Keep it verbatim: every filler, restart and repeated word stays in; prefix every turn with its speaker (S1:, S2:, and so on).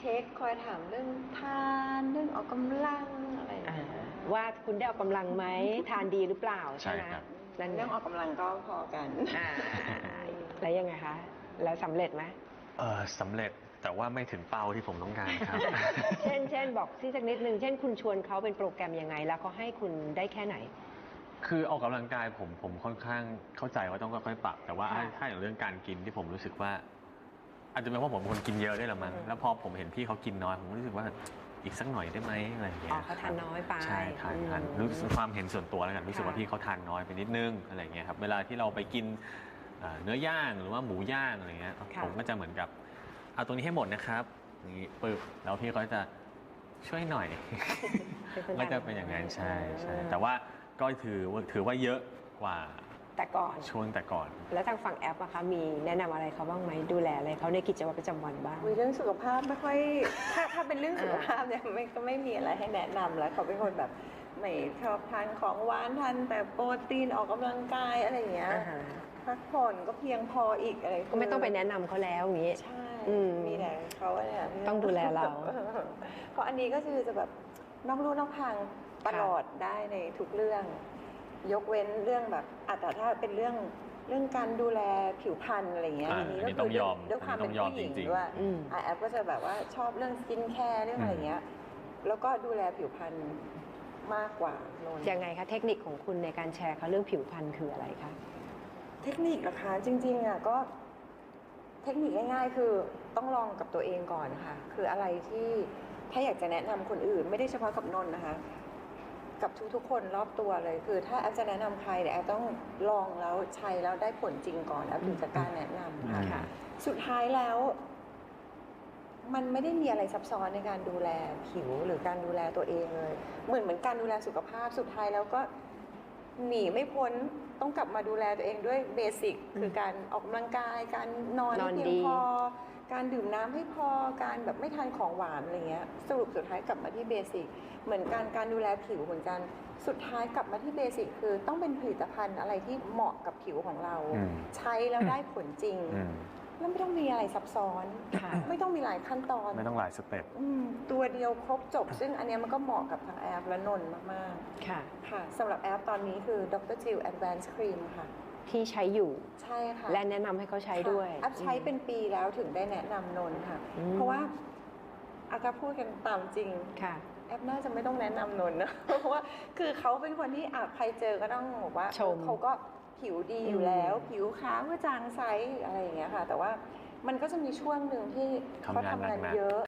S1: ช็คคอยถามเรื่องทานเรื่องออกกำลังอะไร
S2: ว่าคุณได้ออกกำลังไหมทานดีหรือเปล่าใช่ไหม
S1: เรื่องออกกำลังก็พอกัน
S2: แล้วยังไงคะแล้วสำเร็จไหม
S3: เออสำเร็จแต่ว่าไม่ถึงเป้าที่ผมต้องการครับ
S2: เช่นเช่นบอกที่สักนิดนึงเช่นคุณชวนเขาเป็นโปรแกรมยังไงแล้วเขาให้คุณได้แค่ไหน
S3: คือออกกำลังกายผมผมค่อนข้างเข้าใจว่าต้องค่อยๆปรับแต่ว่าถ้าอย่างเรื่องการกินที่ผมรู้สึกว่าอาจจะเป็นเพราะผมเป็นคนกินเยอะด้วยละมั้งแล้วพอผมเห็นพี่เขากินน้อยผมรู้สึกว่าอีกสักหน่อยได้ไหมอะไรอย่างเงี้ย
S2: อ๋อเขาทานน้อยไป
S3: ใช่ทานทานรู้สึกความเห็นส่วนตัวแล้วกันรู้สึกว่าพี่เขาทานน้อยไปนิดนึงอะไรอย่างเงี้ยครับเวลาที่เราไปกินเนื้อย่างหรือว่าหมูย่างอะไรเงี้ยผมก็จะเหมือนกับเอาตัวนี้ให้หมดนะครับอย่างนี้ปึ๊บแล้วพี่เขาจะช่วยหน่อยก็จะเป็นอย่างนั้นใช่ใช่แต่ว่าก็ถือถือว่าเยอะกว่า
S2: แต่ก่อน
S3: ช่วงแต่ก่อน
S2: แล้วทางฝั่งแอปอะคะมีแนะนำอะไรเขาบ้างไหมดูแลอะไรเขาในกิจวัตรประจำวันบ้าง
S1: เรื่องสุขภาพไม่ค่อยถ้าถ้าเป็นเรื่องสุขภาพเนี่ยไม่ก็ไม่มีอะไรให้แนะนำแล้วเขาเป็นคนแบบไม่ชอบทานของหวานทานแต่โปรตีนออกกำลังกายอะไรอย่างเงี้ยพักผ่อนก็เพียงพออีกอะไร
S2: ก็ไม่ต้องไปแนะนำเขาแล้วอย่างนี้
S1: ใช่มีแต่เขาเนี่ย
S2: ต้องดูแลเรา
S1: เพราะอันนี้ก็คือจะแบบนอกลู่นอกทางตลอดได้ในทุกเรื่องยกเว้นเรื่องแบบอาจจะถ้าเป็นเรื่องเรื่องการดูแลผิวพรรณอะไรเงี้ย
S3: อันนี้ก็คือ
S1: ด้วยความเป็นผู้หญิงด้วยแอปก็จะแบบว่าชอบเรื่องสกินแคร์เรื่องอะไรเงี้ยแล้วก็ดูแลผิวพรรณมากกว่า
S2: ยังไงคะเทคนิคของคุณในการแชร์เขาเรื่องผิวพรรณคืออะไรคะ
S1: เทคนิคเหรอคะจริงๆอ่ะก็เทคนิคง่ายๆคือต้องลองกับตัวเองก่อนค่ะคืออะไรที่ถ้าอยากจะแนะนำคนอื่นไม่ได้เฉพาะกับนนท์นะคะกับทุกๆคนรอบตัวเลยคือถ้าแอปจะแนะนำใครเนี่ยแอปต้องลองแล้วใช้แล้วได้ผลจริงก่อนแอปถึงจะกล้าแนะนำค่ะสุดท้ายแล้วมันไม่ได้มีอะไรซับซ้อนในการดูแลผิวหรือการดูแลตัวเองเลยเหมือนเหมือนการดูแลสุขภาพสุดท้ายแล้วก็หนีไม่พ้นต้องกลับมาดูแลตัวเองด้วยเบสิกคือการออกกำลังกายการนอนให้เพียงพอการดื่มน้ำให้พอการแบบไม่ทานของหวานอะไรเงี้ยสรุปสุดท้ายกลับมาที่เบสิกเหมือนการการดูแลผิวเหมือนกันสุดท้ายกลับมาที่เบสิกคือต้องเป็นผลิตภัณฑ์อะไรที่เหมาะกับผิวของเราใช้แล้วได้ผลจริงแล้วไม่ต้องมีอะไรซับซ้อนไม่ต้องมีหลายขั้นตอน
S3: ไม่ต้องหลายสเต็ป
S1: ตัวเดียวครบจบซึ่งอันนี้มันก็เหมาะกับทางแอปและนนท์มากๆค่ะค่ะสำหรับแอปตอนนี้คือ ดร. Jill Advanced Cream ค่ะ
S2: ที่ใช้อยู่
S1: ใช่ค่ะ
S2: และแนะนำให้เขาใช้ด้วย
S1: แอปใช้เป็นปีแล้วถึงได้แนะนำนนท์ค่ะเพราะว่าอาการพูดกันตามจริงค่ะแอปน่าจะไม่ต้องแนะนำนนท์นะเพราะว่าคือเขาเป็นคนที่อาจใครเจอก็ต้องบอกว่าเขาก็ผิวดีอยู่แล้วผิวขาวกระจ่างใสอะไรอย่างเงี้ยค่ะแต่ว่ามันก็จะมีช่วงหนึ่งที่เขาทำงานเยอะ